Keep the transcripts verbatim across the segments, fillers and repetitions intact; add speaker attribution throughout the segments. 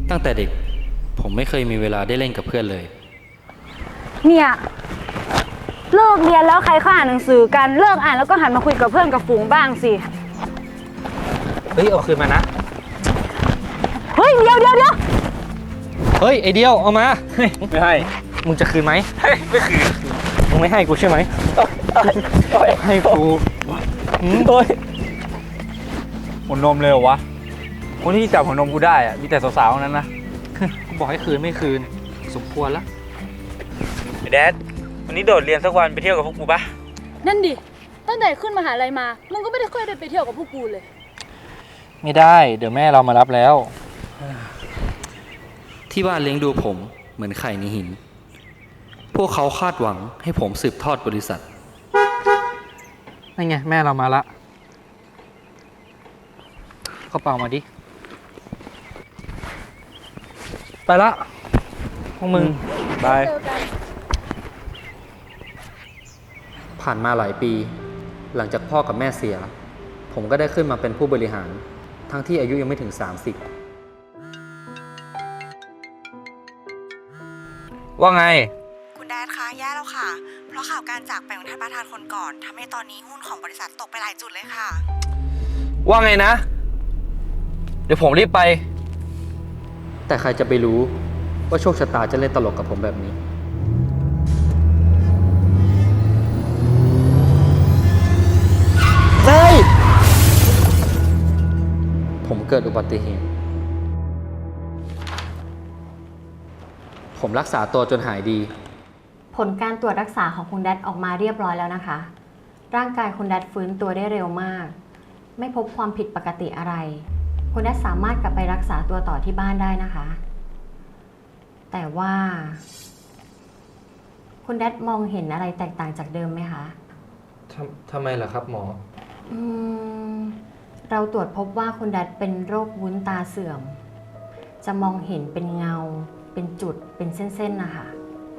Speaker 1: ตั้งแต่เด็กผมไม่เคยมีเวลาได้เล่นกับเพื่อนเลย
Speaker 2: เนี่ยเลิกเรียนแล้วใครเขาอ่านหนังสือกันเลิกอ่านแล้วก็หันมาคุยกับเพื่อนกับฝูงบ้างสิ
Speaker 1: เฮ้ยเอาคืนมานะ
Speaker 2: เฮ้ยเดี๋ยวเดี๋ยวเดี๋ยว
Speaker 1: เฮ้ยไอเดียวเอามา
Speaker 3: ไม่ให้
Speaker 1: มึงจะคืนไหม
Speaker 3: ไม่คืน
Speaker 1: มึงไม่ให้กูใช่ไหมให้กู
Speaker 3: โอ้ยหัวนมเลยเหรอวะคนที่จับหัวนมกูได้อะมีแต่สาวๆนั้นนะ
Speaker 1: กูบอกให้คืนไม่คืนสมควรละ
Speaker 3: ไอ้แดดวันนี้โดดเรียนสักวันไปเที่ยวกับพวกกูปะ
Speaker 2: นั่นดิตั้งแต่ขึ้นมหาลัยมามึงก็ไม่ได้ค่อยได้ไปเที่ยวกับพวกกูเลย
Speaker 1: ไม่ได้เดี๋ยวแม่เรามารับแล้วที่บ้านเลี้ยงดูผมเหมือนไข่ในหินพวกเขาคาดหวังให้ผมสืบทอดบริษัทนั่นไงแม่เรามาละกระเป๋ามาดิไปละพวกมึง
Speaker 3: บาย
Speaker 1: ผ่านมาหลายปีหลังจากพ่อกับแม่เสียผมก็ได้ขึ้นมาเป็นผู้บริหารทั้งที่อายุยังไม่ถึงสามสิบ
Speaker 3: ว่าไง
Speaker 4: คุณแดดคะแย่แล้วค่ะเพราะข่าวการจากไปของท่านประธานคนก่อนทำให้ตอนนี้หุ้นของบริษัทตกไปหลายจุดเลยค่ะ
Speaker 3: ว่าไงนะเดี๋ยวผมรีบไป
Speaker 1: แต่ใครจะไปรู้ว่าโชคชะตาจะเล่นตลกกับผมแบบนี้เฮ้ยผมเกิดอุบัติเหตุผมรักษาตัวจนหายดี
Speaker 5: ผลการตรวจรักษาของคุณแดดออกมาเรียบร้อยแล้วนะคะร่างกายคุณแดดฟื้นตัวได้เร็วมากไม่พบความผิดปกติอะไรคุณแดดสามารถกลับไปรักษาตัวต่อที่บ้านได้นะคะแต่ว่าคุณแดดมองเห็นอะไรแตกต่างจากเดิมไหมคะ
Speaker 1: ทำทำไมล่ะครับหมอ
Speaker 5: อืมเราตรวจพบว่าคุณแดดเป็นโรควุ้นตาเสื่อมจะมองเห็นเป็นเงาเป็นจุดเป็นเส้นๆนะคะ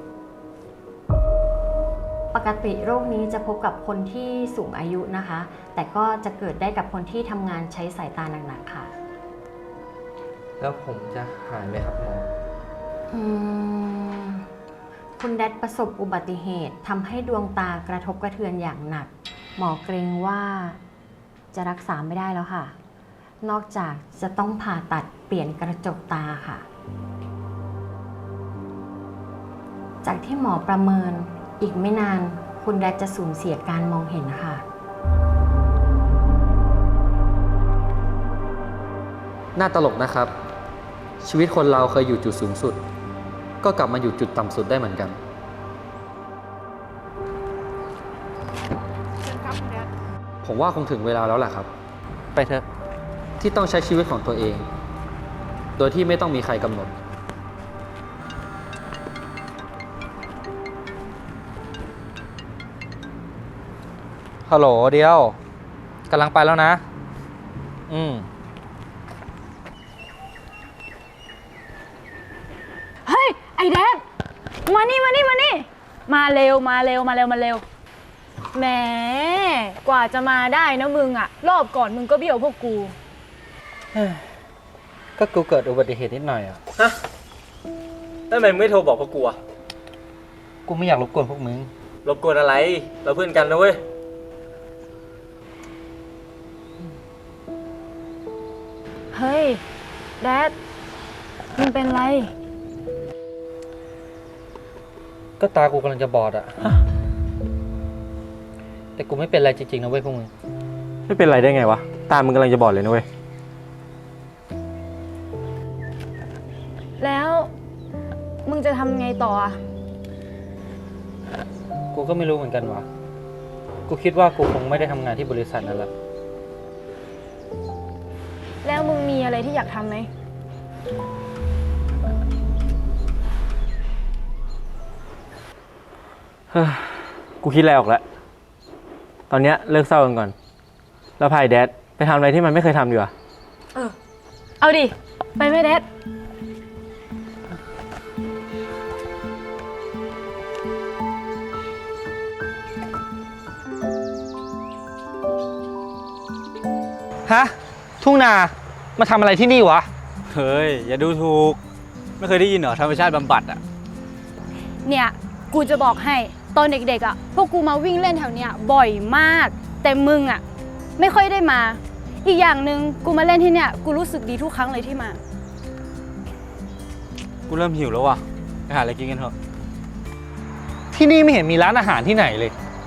Speaker 5: ปกติโรคนี้จะพบกับคนที่สูงอายุนะคะแต่ก็จะเกิดได้กับคนที่ทำงานใช้สายตาหนักๆค่ะ
Speaker 1: แล้วผมจะหายไหมครับหมอ
Speaker 5: อืมคุณแดดประสบอุบัติเหตุทำให้ดวงตากระทบกระเทือนอย่างหนักหมอเกรงว่าจะรักษาไม่ได้แล้วค่ะนอกจากจะต้องผ่าตัดเปลี่ยนกระจกตาค่ะจากที่หมอประเมินอีกไม่นานคุณแดดจะสูญเสียการมองเห็นค่ะ
Speaker 1: น่าตลกนะครับชีวิตคนเราเคยอยู่จุดสูงสุดก็กลับมาอยู่จุดต่ำสุดได้เหมือนกันผมว่าคงถึงเวลาแล้วแหละครับไปเถอะที่ต้องใช้ชีวิตของตัวเองโดยที่ไม่ต้องมีใครกำหนดฮัลโหลเดียวกำลังไปแล้วนะอืม
Speaker 2: เฮ้ยไอแดดมานี่มานี่มานี่มาเร็วมาเร็วมาเร็วมาเร็วแหมกว่าจะมาได้นะมึงอะรอบก่อนมึงก็เบี้ยวพวกกู
Speaker 1: ก็กูเกิดอุบัติเหตุนิดหน่อยอ่ะ
Speaker 3: ฮะแล้วทำไมไม่โทรบอกพวกกูอ่ะ
Speaker 1: กูไม่อยากรบกวนพวกมึง
Speaker 3: รบกวนอะไรเราเพื่อนกันนะเว้ย
Speaker 2: เฮ้ยแดดมึงเป็นไร
Speaker 1: ก็ตากูกำลังจะบอดอ่ะแต่กูไม่เป็นไรจริงๆนะเว้ยพวกมึง
Speaker 3: ไม่เป็นไรได้ไงวะตามึงกำลังจะบอดเลยนะเว้ย
Speaker 2: แล้วมึงจะทำไงต่ออ่ะ
Speaker 1: กูก็ไม่รู้เหมือนกันวะกูคิดว่ากูคงไม่ได้ทำงานที่บริษัทนั่นแหละ
Speaker 2: แล้วมึงมีอะไรที่อยากทำไหม
Speaker 3: กูคิดอะไรออกแล้วตอนเนี้ยเลิกเศร้ากันก่อนแล้วพายแดดไปทำอะไรที่มันไม่เคยทำดีกว่า
Speaker 2: เออเอาดิไปไหมแดด
Speaker 1: ฮะทุ่งนามาทำอะไรที่นี่วะ
Speaker 6: เฮ้ย อย่าดูถูก ไม่เคยได้ยินเหรอธรรมชาติบำบัดอ่ะ
Speaker 2: เนี่ยกูจะบอกให้ตอนเด็กๆอ่ะพวกกูมาวิ่งเล่นแถวเนี้ยบ่อยมาก แต่มึงอ่ะไม่ค่อยได้มา อีกอย่างหนึ่งกูมาเล่นที่เนี่ยกูรู้สึกดีทุกครั้งเลยที่มา
Speaker 6: กูเริ่มหิวแล้วว่ะ ไปหาอะไรกินกันเถอะ
Speaker 3: ที่นี่ไม่เห็นมีร้านอาหารที่ไหนเลย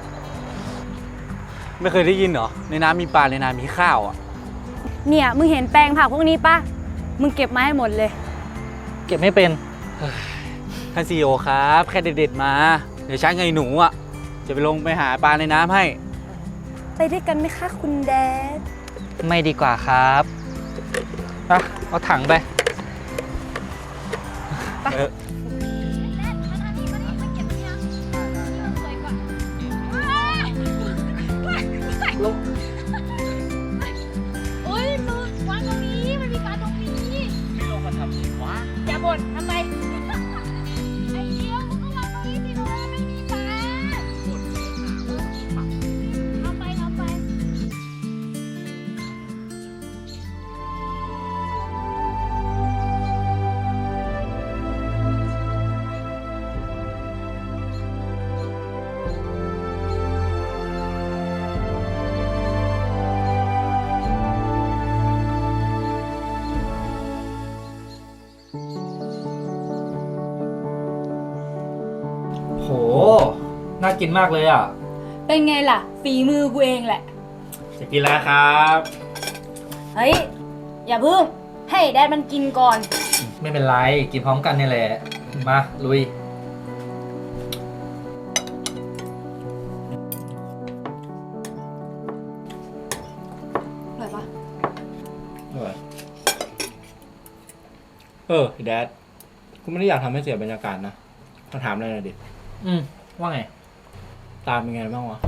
Speaker 6: ไม่เคยได้ยินเหรอ ในน้ำมีปลาในน้ำมีข้าวอ่ะ
Speaker 2: เนี่ยมึงเห็นแปลงผักพวกนี้ปะมึงเก็บมาให้หมดเลย
Speaker 3: เก็บไม่เป็น
Speaker 6: ท่านซีโอครับ แค่เด็ดๆมา เดี๋ยวช้างไงหนูอ่ะ จะไปลงไปหาปลาในน้ำให้
Speaker 2: ไปด้วยกันไหมคะคุณแดด
Speaker 1: ไม่ดีกว่าครับอ่ะเอาถังไป
Speaker 6: เออ
Speaker 2: โอ้ยมึงวางตรงนี้ มันมีปลาตรงนี้ ไม่ลงมาทำสิวะอย่าบ่นทำไม ไอ้เดียวมึงก็วางตรงนี้สิเพราะว่าไม่มีปลาทำไปทำไป
Speaker 1: โห น่ากินมากเลยอ่ะ
Speaker 2: เป็นไงล่ะ ฝีมือกูเองแหละ
Speaker 3: จะกินแล้วครับ
Speaker 2: เฮ้ย อย่าเพิ่งให้แดดมันกินก่อน
Speaker 1: ไม่เป็นไร กินพร้อมกันนี่แหละ มา ลุย
Speaker 2: อร่อยปะ
Speaker 3: เออแดด กูไม่ได้อยากทำให้เสียบรรยากาศนะมาถามอะไรหน่อยดิ
Speaker 1: อืม ว่าไง
Speaker 3: ตามเป็นไงบ้างวะ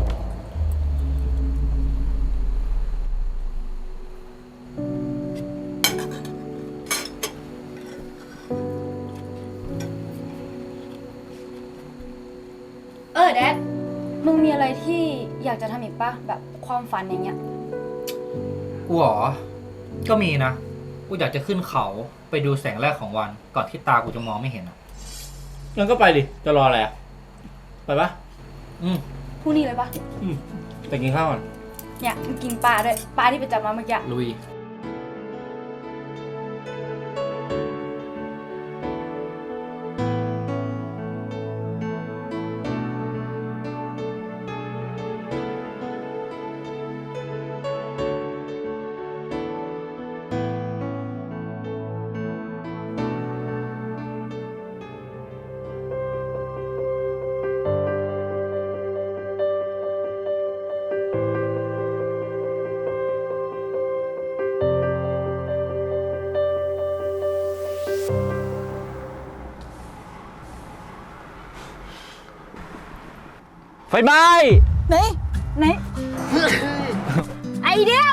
Speaker 2: เออแดด มึงมีอะไรที่อยากจะทำอีกปะแบบความฝันอย่างเงี้ย
Speaker 1: กูเหรอ ก็มีนะ กูอยากจะขึ้นเขาไปดูแสงแรกของวัน ก่อนที่ตากูจะมองไม่เห็นอ่ะ
Speaker 3: งั้นก็ไปดิ จะรออะไรอ่ะ ไปปะ
Speaker 1: อืม
Speaker 2: พรุ่งนี้เลยปะ
Speaker 3: อืมไปกินข้าวก่อน
Speaker 2: เนี่ยมึงกินปลาด้วย ปลาที่ไปจับมาเมื่อกี้
Speaker 1: ลุย
Speaker 6: ไฟไหม้
Speaker 2: ไหน ไหน ไอเดียว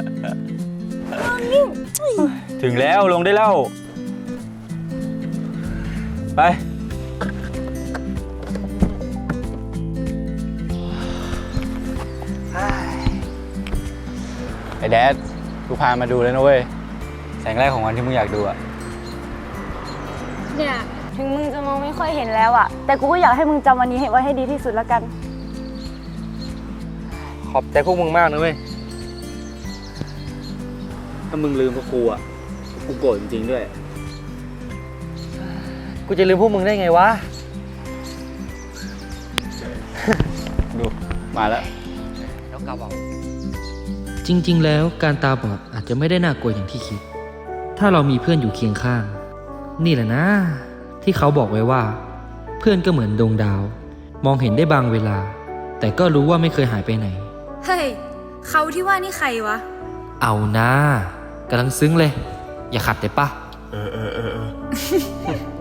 Speaker 6: ถึงแล้วลงได้แล้ว ไป ไอ้แดด กูพามาดูเลยนะเว้ย แสงแรกของวันที่มึงอยากดูอะ
Speaker 2: เนี่ยถึงมึงจะมองไม่ค่อยเห็นแล้วอะแต่กูก็อยากให้มึงจำวันนี้ให้ไว้ให้ดีที่สุดแล้วกัน
Speaker 3: ขอบใจพวกมึงมากนะเว้ย
Speaker 6: ถ้ามึงลืมพวกกูอะกูโกรธจริงๆด้วย
Speaker 3: กูจะลืมพวกมึงได้ไงวะ
Speaker 6: ดู มาแล้ว
Speaker 1: จริงๆ แล้วการตาบอดอาจจะไม่ได้น่ากลัวอย่างที่คิด ถ้าเรามีเพื่อนอยู่เคียงข้าง นี่แหละนะ ที่เขาบอกไว้ว่า เพื่อนก็เหมือนดวงดาว มองเห็นได้บางเวลา แต่ก็รู้ว่าไม่เคยหายไปไหน
Speaker 2: เฮ้ย เขาที่ว่านี่ใครวะ
Speaker 1: เอานะกำลังซึ้งเลย อย่าขัดได้ปะ
Speaker 3: เออเออเออ